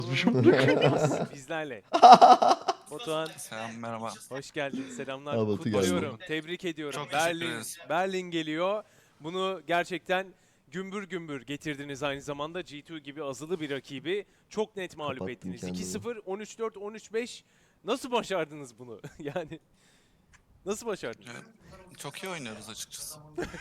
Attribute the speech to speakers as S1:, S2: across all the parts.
S1: Bizlerle. Batuhan
S2: Selam merhaba.
S1: hoş geldin. Selamlar.
S3: Ha, Batu geldi.
S1: Kutluyorum. Tebrik ediyorum.
S2: Çok teşekkür ederiz.
S1: Berlin geliyor. Bunu gerçekten gümbür gümbür getirdiniz aynı zamanda. G2 gibi azılı bir rakibi çok net mağlup
S3: Kapattım
S1: ettiniz.
S3: kendimi.
S1: 2-0, 13-4, 13-5. Nasıl başardınız bunu? Yani nasıl başardınız?
S2: Evet, çok iyi oynuyoruz açıkçası.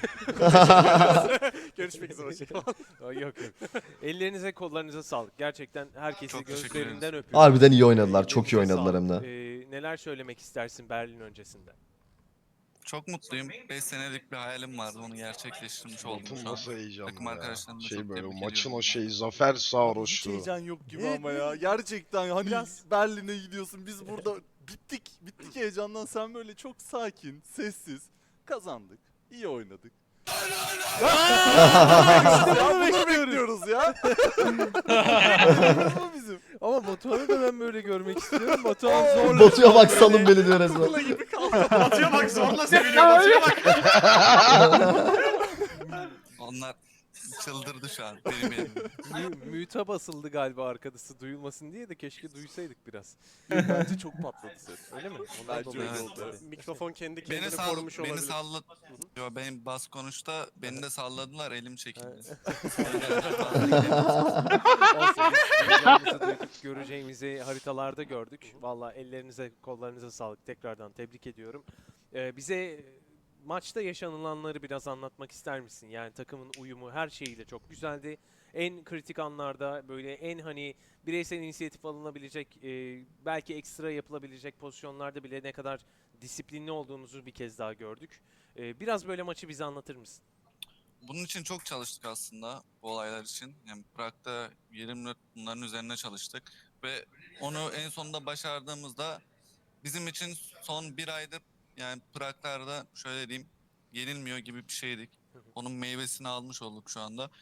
S1: Görüşmek üzere. Hoşçakalın. Yok yok. Ellerinize kollarınıza sağlık. Gerçekten herkesi
S2: Çok teşekkür
S1: gözlerinden
S2: ederiz.
S1: öpüyorum.
S3: Harbiden iyi oynadılar. Çok iyi
S1: Ellerinize
S3: oynadılar hem
S1: sağlık.
S3: de.
S1: Neler söylemek istersin Berlin öncesinde?
S2: Çok mutluyum. 5 senelik bir hayalim vardı. Onu gerçekleştirmiş oldum
S4: Batın
S2: şu an.
S4: nasıl heyecanlı
S2: Takım
S4: ya.
S2: arkadaşlarımla
S4: Şey
S2: çok
S4: böyle
S2: tebrik
S4: maçın
S2: ediyorum.
S4: o şeyi zafer
S5: Hiç
S4: sarhoşluğu.
S5: heyecan yok gibi
S1: Evet,
S5: ama ya. Gerçekten hani
S1: Biraz-
S5: Berlin'e gidiyorsun. Biz burada bittik heyecandan. Sen böyle çok sakin, sessiz. Kazandık. İyi oynadık. ya bunu bekliyoruz ya. Bu bizim.
S1: Ama Batuhan'ı da ben böyle görmek istiyorum. Batuhan zorla.
S3: Batu'ya bak salın beni diyor resmen.
S5: Kukla gibi kaldı.
S6: Batıya bak zorla seviliyor. Batıya bak.
S2: Onlar çıldırdı şu an benim yerimde.
S1: Müte basıldı galiba arkadaşı duyulmasın diye de keşke duysaydık biraz.
S5: Bence çok patladı ses.
S1: Öyle mi? Ondan
S5: Bence
S1: dolayı
S2: öyle
S1: oldu.
S5: oldu.
S6: Mikrofon kendi
S2: Beni,
S6: kendini korumuş
S2: beni
S6: olabilir.
S2: salladı. Yo benim bas konuşta beni de salladılar elim çekildi.
S1: Olsun, biz duyacağımızı duyduk, göreceğimizi haritalarda gördük. Valla ellerinize, kollarınıza sağlık. Tekrardan tebrik ediyorum. Bize maçta yaşanılanları biraz anlatmak ister misin? Yani takımın uyumu her şeyiyle çok güzeldi. En kritik anlarda böyle en hani bireysel inisiyatif alınabilecek, belki ekstra yapılabilecek pozisyonlarda bile ne kadar disiplinli olduğunuzu bir kez daha gördük. Biraz böyle maçı bize anlatır mısın?
S2: Bunun için çok çalıştık aslında bu olaylar için. Yani Prag'da 20 bunların üzerine çalıştık ve onu en sonunda başardığımızda bizim için son bir aydır yani Prag'larda şöyle diyeyim yenilmiyor gibi bir şeydik. Onun meyvesini almış olduk şu anda.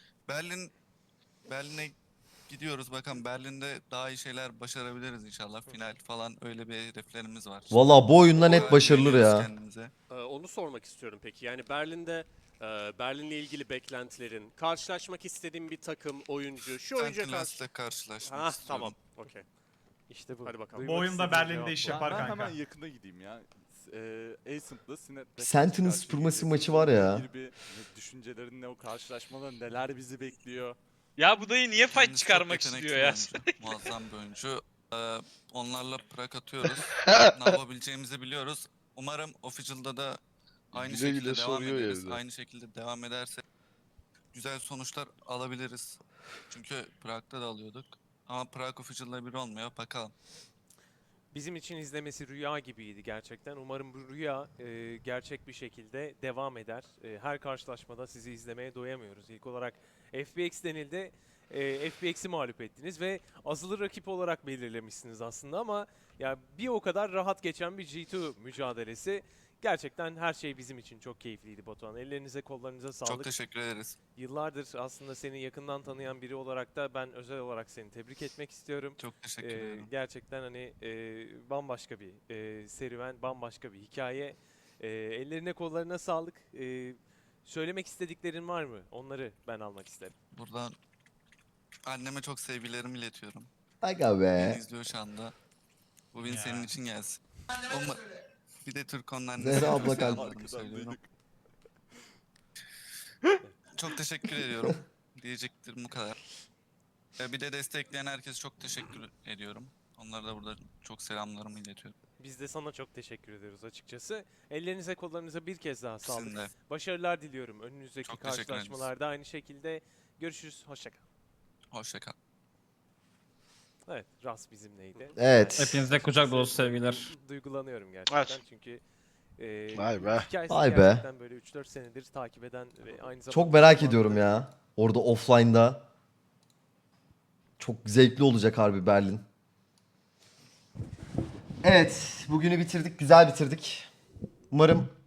S2: Berlin'e gidiyoruz bakalım Berlin'de daha iyi şeyler başarabiliriz inşallah. Final falan öyle bir hedeflerimiz var.
S3: Valla bu oyunda net
S2: Bayağı
S3: başarılır
S2: güveniyoruz
S3: ya.
S2: kendimize.
S6: Onu sormak istiyorum peki. Yani Berlin'de Berlin'le ilgili beklentilerin, karşılaşmak istediğin bir takım, oyuncu, şu oyuncuya karşı...
S2: Sentinels'le karşılaşmak
S6: Ha
S2: istiyorum.
S6: tamam. Okey.
S1: İşte bu.
S6: Hadi bakalım.
S1: Duymak
S7: Bu oyunda
S1: istediğim
S7: Berlin'de
S1: cevap
S7: iş
S1: bu.
S7: yapar
S5: Ben
S7: kanka.
S5: hemen yakına gideyim ya. Ascent'la Sinet'le
S3: Sentinel
S5: karşı
S3: Supremacy
S5: karşıya
S3: maçı var ya.
S5: geleceğiz. Bir düşüncelerin ne, o karşılaşmada neler bizi bekliyor?
S8: Ya bu dayı niye fight
S2: Kendisi çok
S8: çıkarmak
S2: yetenekli
S8: istiyor
S2: bir
S8: ya?
S2: oyuncu, muazzam bir oyuncu. Onlarla Prag atıyoruz. Ne yapabileceğimizi biliyoruz. Umarım Official'da da aynı
S4: Güle güle
S2: şekilde devam
S4: soruyor
S2: ederiz.
S4: evde.
S2: Aynı şekilde devam ederse güzel sonuçlar alabiliriz. Çünkü Prag'da da alıyorduk. Ama Prag Official'da bir olmuyor. Bakalım.
S1: Bizim için izlemesi rüya gibiydi gerçekten. Umarım bu rüya gerçek bir şekilde devam eder. Her karşılaşmada sizi izlemeye doyamıyoruz. İlk olarak FPX denildi. FPX'i mağlup ettiniz ve azılı rakip olarak belirlemişsiniz aslında ama ya bir o kadar rahat geçen bir G2 mücadelesi. Gerçekten her şey bizim için çok keyifliydi Batuhan. Ellerinize kollarınıza sağlık.
S2: Çok teşekkür ederiz.
S1: Yıllardır aslında seni yakından tanıyan biri olarak da ben özel olarak seni tebrik etmek istiyorum.
S2: Çok teşekkür ederim.
S1: Gerçekten hani bambaşka bir serüven, bambaşka bir hikaye. Ellerine kollarına sağlık. Söylemek istediklerin var mı? Onları ben almak isterim.
S2: Buradan anneme çok sevgilerimi iletiyorum.
S3: Aga
S2: Beni
S3: be.
S2: izliyor şu anda. Bu win
S7: Ya.
S2: senin için gelsin. Bir de Türkon'un
S3: Zehra
S2: annesine
S3: abla
S2: çok
S3: kalp.
S2: selamlarımı
S5: Arkadan
S2: söylüyorum.
S5: duyduk.
S2: Çok teşekkür ediyorum. Diyeceklerim bu kadar. Bir de destekleyen herkese çok teşekkür ediyorum. Onlara da burada çok selamlarımı iletiyorum.
S1: Biz de sana çok teşekkür ediyoruz açıkçası. Ellerinize kollarınıza bir kez daha sağlık.
S2: Sizin de.
S1: Başarılar diliyorum. Önünüzdeki
S2: Çok teşekkür ederiz.
S1: karşılaşmalarda aynı şekilde görüşürüz. Hoşça kal.
S2: Hoşça kal.
S1: Evet, Ras bizimleydi.
S3: Evet.
S7: Hepinize kucak dolusu sevgiler.
S1: Duygulanıyorum gerçekten çünkü
S4: Vay be.
S1: hikayesi
S3: Vay be.
S1: gerçekten böyle 3-4 senedir takip eden ve aynı zamanda
S3: Çok merak
S1: şu anda
S3: ediyorum ya. Orada offline'da. Çok zevkli olacak harbi Berlin. Evet, bugünü bitirdik, güzel bitirdik. Umarım